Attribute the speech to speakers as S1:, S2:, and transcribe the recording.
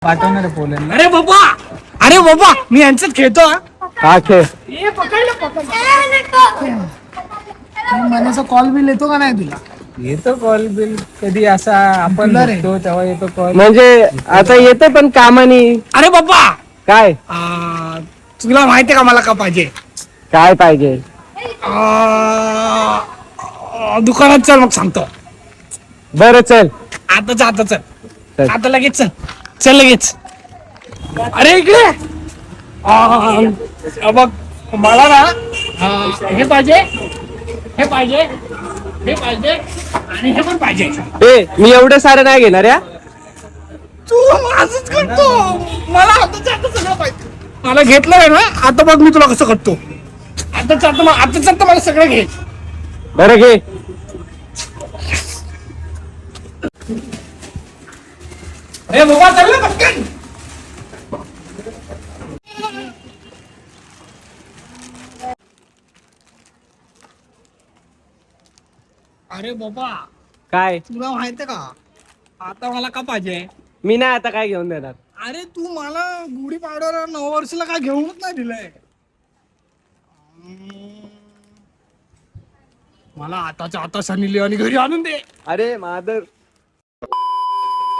S1: पाठवणार आहे पोलंड.
S2: अरे बाबा मी यांच्यात खेळतो हा.
S3: हा खेळ.
S2: महिन्याचा कॉल बिल येतो का नाही तुला?
S1: येतो कॉल बिल कधी असा आपण
S2: तुला रे.
S1: बघतो तेव्हा येतो कॉल.
S3: म्हणजे आता येतं पण कामानी.
S2: अरे बाबा
S3: काय
S2: तुला माहितीये का मला का पाहिजे?
S3: काय पाहिजे?
S2: दुकानात चल मग सांगतो.
S3: बरं चल.
S2: आता
S3: चल.
S2: चल आता लगेच चल लगेच. अरे इकडे बघ मला ना हे पाहिजे हे पाहिजे हे पाहिजे आणि हे पण पाहिजे.
S3: ए मी एवढं सारं नाही घेणार या.
S2: तू माझंच करतो. मला आता सगळं पाहिजे. मला घेतलं आहे ना आता बघ मी तुला कसं करतो. आता मला सगळं घे.
S3: बरं घे.
S2: अरे बाबा चल ना पटकन. अरे बाबा
S3: काय
S2: तुला माहितीये का आता मला का पाहिजे?
S3: मी नाही आता काय घेऊन देणार.
S2: अरे तू मला गुढी पाडव्याला नववर्षाला काय घेऊनच नाही दिलंय. मला आताच्या आता सनी लिओनी घरी आणून दे.
S3: अरे मादर